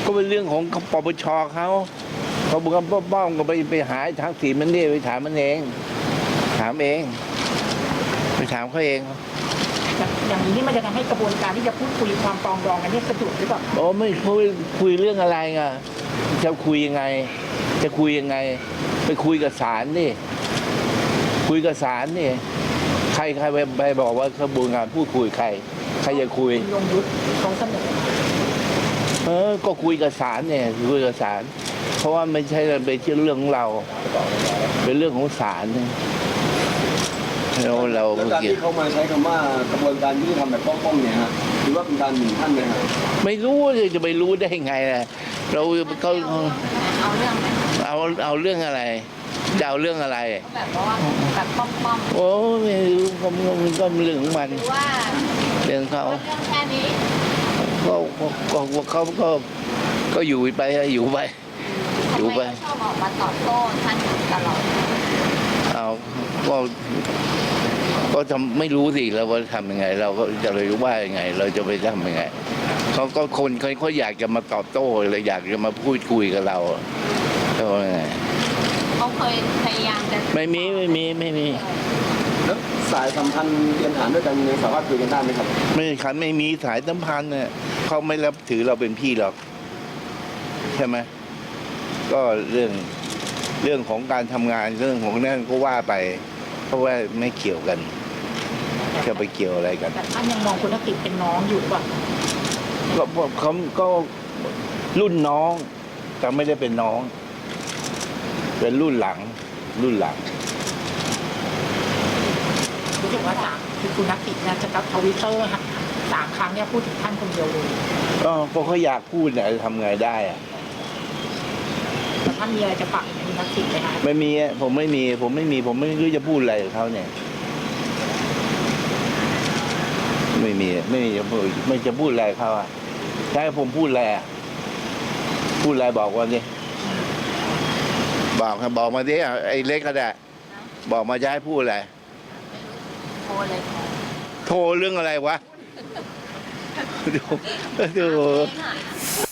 ก็เป็นเรื่องของปปชเขาบุกบ้องก็ไปหาทางสีมันนี่ไปถามมันเองถามเองไปถามเขาเองอย่างนี้มันจะทำให้กระบวนการที่จะพูดคุยความปรองดองกันนี่สะดวกหรือเปล่าโอ้ไม่คุยเรื่องอะไรไงจะคุยยังไงจะคุยยังไงไปคุยกับศาลนี่คุยกับศาลนี่ใครไปบอกว่ากระบวนการพูดคุยใครจะคุยลงยุทธเขาเสนอก็คุยกับศาลเนี่ยคุยกับศาลเพราะว่าไม่ใช่เป็นเรื่องของเราเป็นเรื่องของศาลเราการที่เขามาใช้คำว่ากระบวนการยุติธรรมแบบป้องๆเนี่ยฮะหรือว่าเป็นการหมิ่นท่านไหมครับไม่รู้จะไปรู้ได้ไงล่ะเราเขาเอาเรื่องเอาเรื่องอะไรจะเอาเรื่องอะไรแบบว่าแบบป้อมโอ้ไม่รู้มันก็เรื่องของมันว่าเรื่องเขาเรื่องแค่นี้ก็อยู่ไปอยู่ไปชอบออกมาตอบโต้ท่านตลอดเอาก็ทำไม่รู้สิเราว่าทำยังไงเราก็จะเลยว่ายังไงเราจะไปทำยังไงเขาก็คนเขาอยากจะมาตอบโต้เลยอยากจะมาพูดคุยกับเราเขาไงเขาเคยพยายามจะไม่มีแล้วสายสัมพันธ์เรียนฐานด้วยกันยังสามารถคุยกันได้ไหมครับไม่มีสายสัมพันธ์เนี่ยเขาไม่รับถือเราเป็นพี่หรอกใช่ไหมก็เรื่องของการทำงานเรื่องของนั่นก็ว่าไปเพราะว่าไม่เกี่ยวกันจะไปเกี่ยวอะไรกันแต่ท่านยังมองคุณทักษิณเป็นน้องอยู่ป่ะเขาก็รุ่นน้องแต่ไม่ได้เป็นน้องเป็นรุ่นหลังรู้สึกว่าคือคุณทักษิณนะจะกับทวิตเตอร์3 ครั้งเนี่ยพูดถึงท่านคนเดียวเลยเพราะเขาอยากพูดเนี่ยทำไงได้อะแต่ท่านมีอะไรจะฝากคุณทักษิณไหมคะไม่มีผมไม่รู้จะพูดอะไรกับเขาเนี่ยไม่จะพูดอะไรเขาอ่ะใช่ผมพูดอะไรบอกว่านี่บอกมาดิไอ้เล็กก็ได้บอกมาจะให้พูดอะไรโทรเรื่องอะไรวะดู